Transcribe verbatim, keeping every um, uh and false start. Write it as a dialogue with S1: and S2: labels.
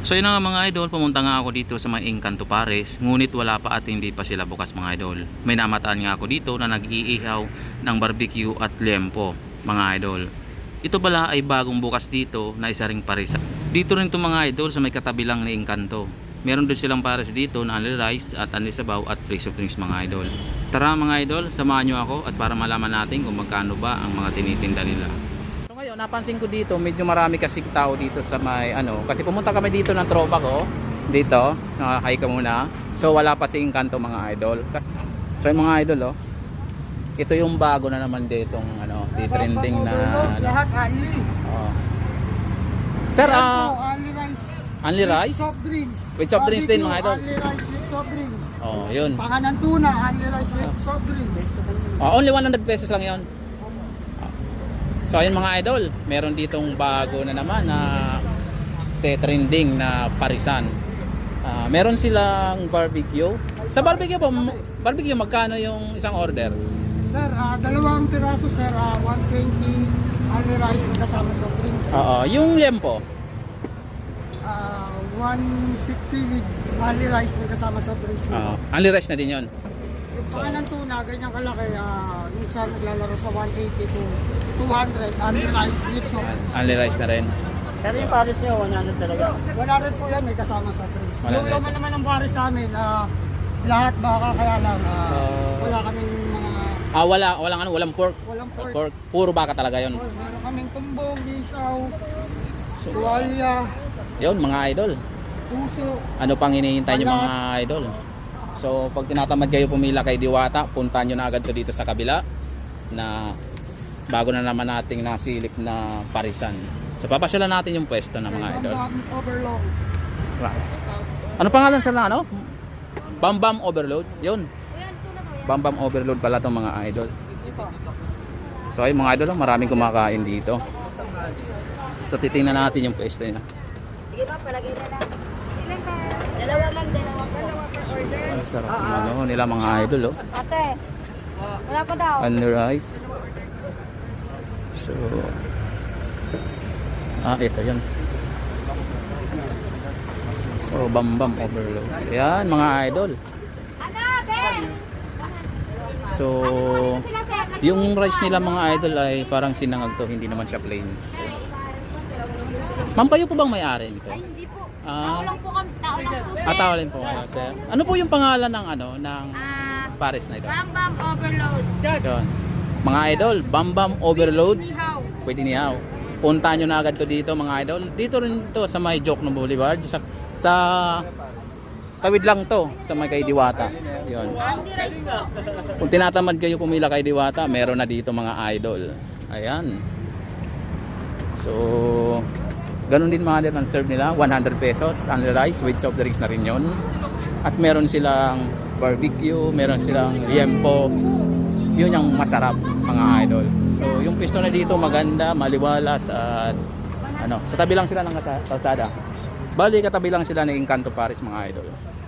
S1: So yun na nga mga idol, pumunta nga ako dito sa mga Encanto Pares, ngunit wala pa at hindi pa sila bukas mga idol. May namataan nga ako dito na nag-iihaw ng barbecue at liempo mga idol. Ito pala ay bagong bukas dito na isa ring parisa. Dito rin ito mga idol sa may katabi lang ni Encanto. Meron din silang pares dito na only rice at only sabaw at free soft drinks mga idol. Tara mga idol, samahan nyo ako at para malaman natin kung magkano ba ang mga tinitinda nila. So ngayon, napansin ko dito, medyo marami kasing tao dito sa may ano, kasi pumunta kami dito ng tropa ko, dito, hi ka muna. So wala pa si Encanto mga idol. So yung mga idol oh, ito yung bago na naman ditong ano, di trending na ano.
S2: Lahat only.
S1: Oh. Sir, ah, uh,
S2: only rice.
S1: Only rice?
S2: With soft drinks.
S1: With soft drinks din mga idol.
S2: Only rice with soft drinks.
S1: Oh, yun.
S2: Panganan tuna, only rice with soft drinks.
S1: Oh, only one hundred pesos lang yun. So ayun mga idol, meron ditong bago na naman na trending na parisan. Uh, meron silang barbecue. Sa barbecue po, barbecue magkano yung isang order?
S2: Sir, uh, dalawang piraso sir, uh, one twenty only rice with kasama soft drinks.
S1: Oo, yung liempo.
S2: Uh, one fifty with only rice with kasama soft drinks.
S1: Oo, only rice na din yun.
S2: Yung panganan tuna, ganyan kalaki, uh, yung siya naglalaro sa one eighty to two hundred only rice with soft drinks.
S1: Only rice na rin.
S3: Sir, yung pares nyo, one hundred talaga.
S2: one hundred po yan, may kasama sa drinks.
S1: one hundred.
S2: Yung laman naman ng baris namin, uh, lahat baka kaya lang, uh,
S1: Uh,
S2: wala kaming mga,
S1: Ah, wala, walang ano, walang pork.
S2: walang pork.
S1: Pork, puro baka talaga yun.
S2: Oh, meron kaming tumbong, isaw,
S1: So,
S2: tuwalya,
S1: yun mga idol.
S2: puso.
S1: Ano pang hinihintay nyo mga idol? So pag tinatamad kayo pumila kay Diwata, puntahan nyo na agad to dito sa kabila na bago na naman nating nasilip na parisan. So papasyalan natin yung pwesto na mga idol.
S2: Bam overload.
S1: Ano pangalan sa na ano? Bam Bam Overload. Yun. Bam Bam Overload pala tong mga idol. So ay mga idol, maraming kumakain dito. So titingnan natin yung pwesto niya.
S4: Sige ba, palagay na lang. Ilan ba? Dalawa lang, dalawa po. Dalawa per order.
S1: Ang sarap ng ano nila mga idol oh.
S4: Ate, wala pa daw.
S1: Only rice. So ah, ito yun. So Bam Bam Overload. Yan mga idol.
S4: Ano, Ben?
S1: So yung rice nila mga idol ay parang sinangag to, hindi naman siya plain. Ma'am, kayo po bang may-ari nito?
S4: Ay, hindi po.
S1: Ah.
S4: Tao lang po kami. Tao lang po.
S1: Ah, tao rin po kayo, sir. Ano po yung pangalan ng ano ng
S4: Ah,
S1: pares na ito?
S4: Bam Bam Overload.
S1: Yun. Mga idol, Bam Bam Overload.
S4: Nihaw.
S1: Pwede niyaw. Puntahan nyo na agad to dito mga idol. Dito rin to sa may Jokno Boulevard. Sa, sa tawid lang to sa may kay Diwata. Yun.
S4: Only rice po.
S1: Kung tinatamad kayo pumila kay Diwata, meron na dito mga idol. Ayan. So, ganun din mga idol ang serve nila. one hundred pesos, only rice with soft drinks na rin yun. At meron silang barbecue, meron silang liempo. Yun yung masarap mga idol. So, yung pisto na dito maganda, maliwalas at ano, sa tabi lang sila ng kalsada. Bali, katabi lang sila ng Encanto Pares mga idol.